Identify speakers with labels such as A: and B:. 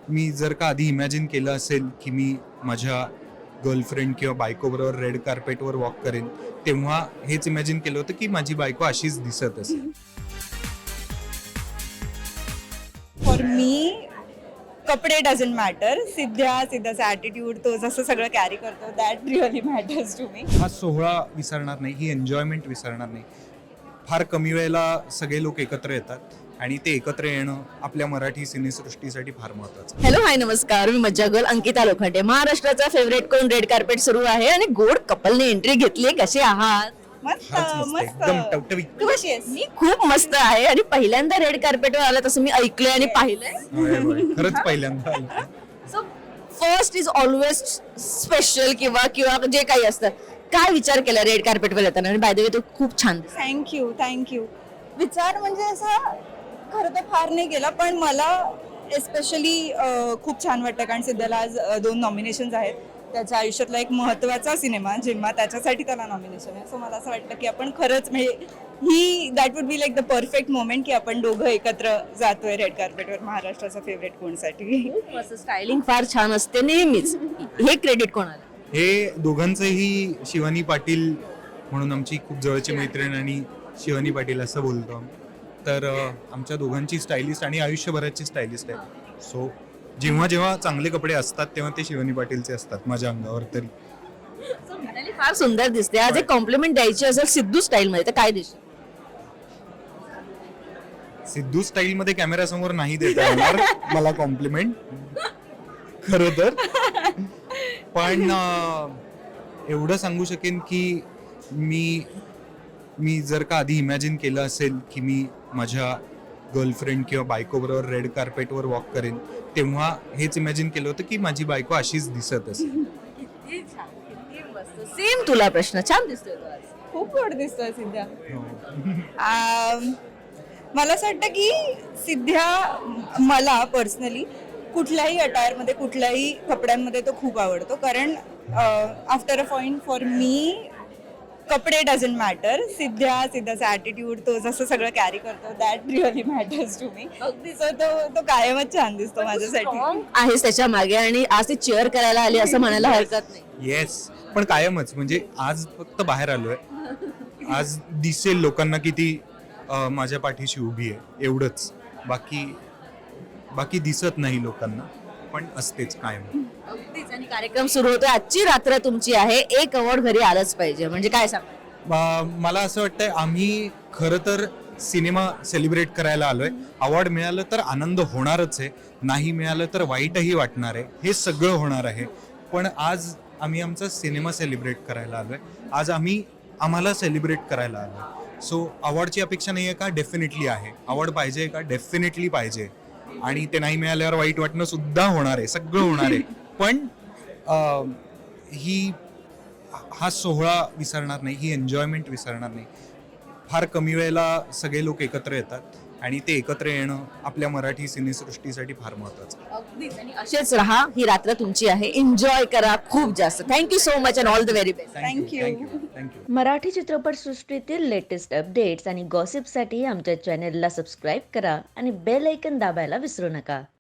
A: मी जर का आधी इमॅजिन केलं असेल की मी माझ्या गर्लफ्रेंड किंवा बायकोबरोबर रेड कार्पेटवर वॉक करेन, तेव्हा हेच इमॅजिन केलं होतं की माझी बायको अशीच दिसत असेल.
B: फॉर मी कपडे डझंट मॅटर. सिद्धाचा ॲटिट्यूड, तो जसं सगळं कॅरी करतो, that really matters to me.
A: हा सोहळा विसरणार नाही, ही एन्जॉयमेंट विसरणार नाही. फार कमी वेळेला सगळे लोक एकत्र येतात आणि ते एकत्र येणं आपल्या मराठी सिनेसृष्टीसाठी फार महत्वाचं आहे.
C: हॅलो हाय नमस्कार, मी मज्जा गर्ल अंकिता लोखंडे. महाराष्ट्राचा फेवरेट कोण रेड कार्पेट सुरू आहे आणि गोड कपलने एंट्री घेतली. कसे आहात?
B: मस्त
A: फारच मस्त,
B: मस्त.
A: एकदम टवटवीत.
B: तू कशी आहेस?
C: मी खूप मस्त आहे आणि पहिल्यांदा रेड कार्पेटवर आला तसं मी ऐकलंय आणि पाहिलंय.
A: होय, होय. खरंच पहिल्यांदा आलं.
C: So first is always special किंवा जे काही असतं. काय विचार केला रेड कार्पेटवर येताना? आणि बाय द वे तो खूप छान दिसतो.
B: थँक्यू. विचार म्हणजे असा खरं तर फार नाही केला, पण मला एस्पेशली खूप छान वाटतं कारण सिद्धाला आज 2 नॉमिनेशन्स आहेत. त्याच्या आयुष्यातला एक महत्त्वाचा सिनेमा जेव्हा त्याच्यासाठी त्याला नॉमिनेशन आहे. सो मला असं वाटतं की आपण खरंच म्हणजे that would be like the perfect moment की आपण दोघं एकत्र जातोय रेड कार्पेटवर महाराष्ट्राचा फेवरेट कोणसाठी.
C: खूप मस्त स्टायलिंग फार छान असते नेहमीच. हे क्रेडिट कोणाला?
A: हे दोघांचंही शिवानी पाटील म्हणून आमची खूप जवळची मैत्रीण आणि शिवानी पाटील असं बोलतो आम्ही. तर आमच्या दोघांची स्टायलिस्ट आणि आयुष्यभराची स्टायलिस्ट आहे. सो जेव्हा जेव्हा चांगले कपडे असतात तेव्हा ते शिवानी पाटीलचे असतात माझ्या अंगावर तरी.
C: So, मृणाली फार सुंदर दिसते. आज एक कॉम्प्लिमेंट द्यायची असेल सिद्धू स्टाईल मध्ये तर काय देशील?
A: सिद्धू स्टाईल मध्ये कॅमेरा समोर नाही देता येणार मला कॉम्प्लिमेंट खरं तर. पण एवढं सांगू शकेन की मी जर का आधी इमॅजिन केलं असेल की मी माझ्या गर्लफ्रेंड किंवा बायकोबरोबर रेड कार्पेटवर वॉक करेन, तेव्हा हेच इमॅजिन केलं होतं की माझी बायको अशीच दिसत असेल.
C: किती छान, किती मस्त. सेम तुला प्रश्न. छान दिसतोय तो आज.
B: खूप गोड दिसतोय सिद्धा. मला असं वाटतं की सिद्धा मला पर्सनली कुठल्याही अटायरमध्ये कुठल्याही कपड्यांमध्ये तो खूप आवडतो कारण after a point for me कपडे डझंट मॅटर. सिद्धाचा ॲटिट्यूड, तो जसं सगळं कॅरी करतो, that really matters to me. So तो कायमच छान दिसतो माझ्यासाठी.
C: Strong आहेस त्याच्या मागे आणि आज ती चेअर करायला आली असं म्हणायला हरकत नाही.
A: येस, पण कायमच. म्हणजे आज फक्त बाहेर आलोय, आज दिसेल लोकांना की ती माझ्या पाठीशी उभी आहे एवढंच. बाकी दिसत नाही लोकांना, पण असतेच कायम.
C: अगदीच. आणि कार्यक्रम सुरू होतोय. आजची रात्र तुमची आहे. एक अवॉर्ड घरी आलंच पाहिजे. म्हणजे काय सांग?
A: मला असं वाटतंय आम्ही खरं तर सिनेमा सेलिब्रेट करायला आलोय. अवॉर्ड मिळालं तर आनंद होणारच आहे, नाही मिळालं तर वाईटही वाटणार आहे, हे सगळं होणार आहे. पण आज आम्ही आमचा सिनेमा सेलिब्रेट करायला आलोय. आज आम्हाला सेलिब्रेट करायला आलोय. सो अवॉर्डची अपेक्षा नाही आहे का? डेफिनेटली आहे. अवॉर्ड पाहिजे का? डेफिनेटली पाहिजे. आणि ते नाही मिळाल्यावर वाईट वाटणं सुद्धा होणार आहे, सगळं होणार आहे. पण हा सोहळा विसरणार नाही, ही एन्जॉयमेंट विसरणार नाही. फार कमी वेळेला सगळे लोक एकत्र येतात आणि ते एकत्र येणं आपल्या मराठी सिनेसृष्टीसाठी फार महत्वाचं आहे.
C: अगदीच. आणि असेच राहा. ही रात्र तुमची आहे. एन्जॉय करा खूप जास्त. Thank you so much and all the very best.
B: Thank you.
D: Marathi चित्रपटसृष्टीतील लेटेस्ट अपडेट्स आणि गॉसिपसाठी आमच्या चॅनेलला सबस्क्राईब करा आणि बेल ऐकन दाबायला विसरू नका.